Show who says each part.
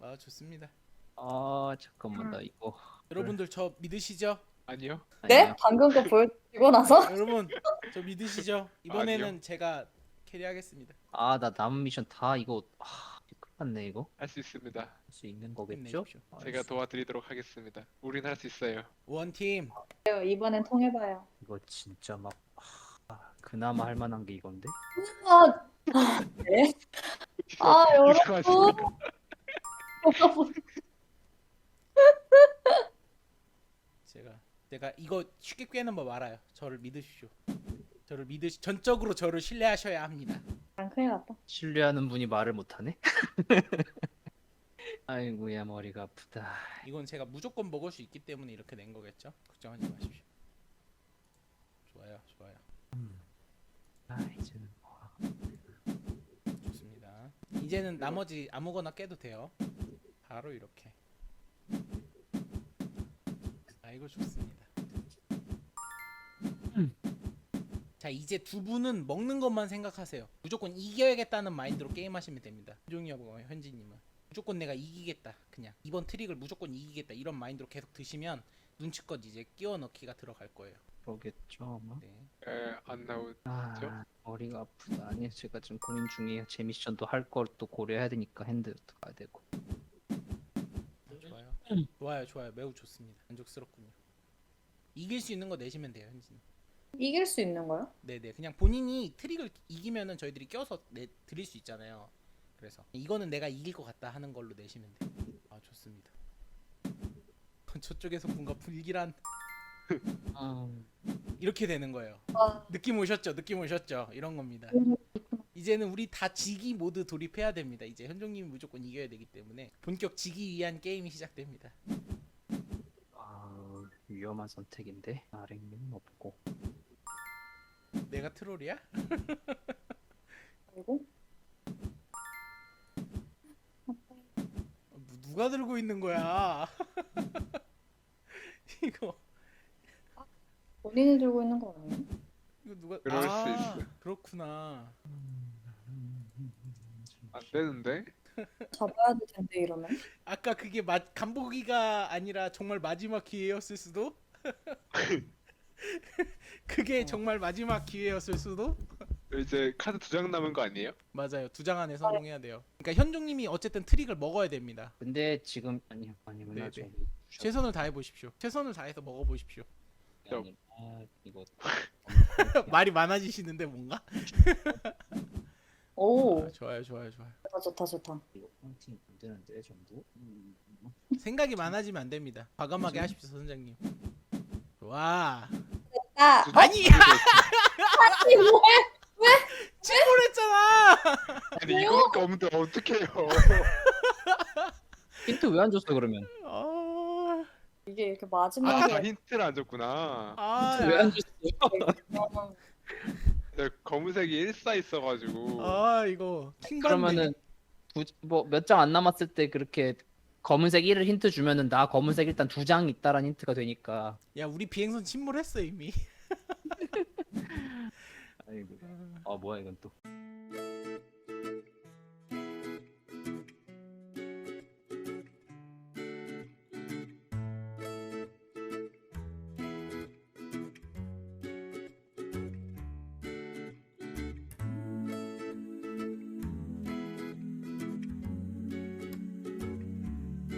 Speaker 1: 아 좋습니다.
Speaker 2: 아 잠깐만 나 이거
Speaker 1: 여러분들 저 믿으시죠?
Speaker 3: 아니요.
Speaker 4: 네?
Speaker 2: 아니야.
Speaker 4: 방금 거 보여주고 나서?
Speaker 1: 여러분 저 믿으시죠? 이번에는 제가 캐리하겠습니다.
Speaker 2: 나 남은 미션 다 이거 큰일 났네 이거.
Speaker 3: 할 수 있습니다.
Speaker 2: 할 수 있는 거겠죠?
Speaker 1: 힘내십시오.
Speaker 3: 제가 도와드리도록 하겠습니다. 우린 할 수 있어요.
Speaker 1: 원팀
Speaker 4: 이번엔 통해봐요.
Speaker 2: 이거 진짜 막 그나마 할 만한 게 이건데.
Speaker 4: 아, 네? 아, 여러분.
Speaker 3: 이상하십니까?
Speaker 1: 제가 이거 쉽게 깨는 법 알아요. 저를 믿으십시오. 전적으로 저를 신뢰하셔야 합니다.
Speaker 4: 안 큰일 났다.
Speaker 2: 신뢰하는 분이 말을 못하네. 아이고야 머리가 아프다.
Speaker 1: 이건 제가 무조건 먹을 수 있기 때문에 이렇게 낸 거겠죠? 걱정하지 마십시오. 좋아요, 좋아요.
Speaker 2: 이제는
Speaker 1: 좋습니다. 이제는 나머지 아무거나 깨도 돼요. 바로 이렇게. 이거 좋습니다. 자 이제 두 분은 먹는 것만 생각하세요. 무조건 이겨야겠다는 마인드로 게임하시면 됩니다. 현종이하고 현진님은 무조건 내가 이기겠다. 그냥 이번 트릭을 무조건 이기겠다 이런 마인드로 계속 드시면 눈치껏 이제 끼워 넣기가 들어갈 거예요.
Speaker 2: 그러겠죠 아마.
Speaker 1: 네.
Speaker 3: 안 나오죠?
Speaker 2: 머리가 아프다. 아니 제가 지금 고민 중이에요. 제 미션도 할 걸 또 고려해야 되니까 핸드부터 가야 되고.
Speaker 1: 좋아요. 좋아요. 매우 좋습니다. 만족스럽군요. 이길 수 있는 거 내시면 돼요, 현진.
Speaker 4: 이길 수 있는 거요?
Speaker 1: 네네. 그냥 본인이 트릭을 이기면은 저희들이 껴서 드릴 수 있잖아요. 그래서 이거는 내가 이길 것 같다 하는 걸로 내시면 돼요. 아 좋습니다. 저쪽에서 뭔가 불길한 이렇게 되는 거예요. 느낌 오셨죠? 느낌 오셨죠? 이런 겁니다. 이제는 우리 다 지기 모드 돌입해야 됩니다. 이제 현종님이 무조건 이겨야 되기 때문에 본격 지기 위한 게임이 시작됩니다.
Speaker 2: 위험한 선택인데 아랭님은 없고.
Speaker 1: 내가 트롤이야?
Speaker 4: 그리고
Speaker 1: 누가 들고 있는 거야? 이거
Speaker 4: 본인이 들고 있는 거 아니에요?
Speaker 1: 이거 누가?
Speaker 3: 그럴 수 있어.
Speaker 1: 그렇구나.
Speaker 3: 안 되는데?
Speaker 4: 잡아야 될 텐데 이러면.
Speaker 1: 아까 그게 간보기가 아니라 정말 마지막 기회였을 수도? 그게 정말 마지막 기회였을 수도?
Speaker 3: 이제 카드 2장 남은 거 아니에요?
Speaker 1: 맞아요. 2장 안에 성공해야 돼요. 그러니까 현종님이 어쨌든 트릭을 먹어야 됩니다.
Speaker 2: 근데 지금 아니구나.
Speaker 1: 네네.
Speaker 2: 저기
Speaker 1: 최선을 다해 보십시오. 최선을 다해서 먹어 보십시오.
Speaker 2: 아니, 이거
Speaker 1: 말이 많아지시는데 뭔가?
Speaker 4: 오,
Speaker 1: 좋아요, 좋아요, 좋아요.
Speaker 4: 좋다.
Speaker 2: 이거 폰팅 안 되는데 전부.
Speaker 1: 생각이 많아지면 안 됩니다. 과감하게 하십시오, 선생님. 좋아.
Speaker 4: 아,
Speaker 1: 아니,
Speaker 4: 아니 뭐해?
Speaker 1: 침몰했잖아.
Speaker 3: 아니 이거밖에 없는데 어떡해요?
Speaker 2: 힌트 왜 안 줬어 그러면?
Speaker 4: 이게 이렇게
Speaker 3: 다
Speaker 4: 마지막에
Speaker 3: 힌트를 안 줬구나.
Speaker 2: 왜
Speaker 1: 야.
Speaker 2: 안 줬어?
Speaker 3: 검은색이 14 있어가지고.
Speaker 1: 이거 킹받네.
Speaker 2: 그러면은 몇 장 안 남았을 때 그렇게 검은색 1을 힌트 주면은 나 검은색 일단 2장 있다란 힌트가 되니까.
Speaker 1: 야, 우리 비행선 침몰했어 이미.
Speaker 2: 아이고. 뭐야 이건 또.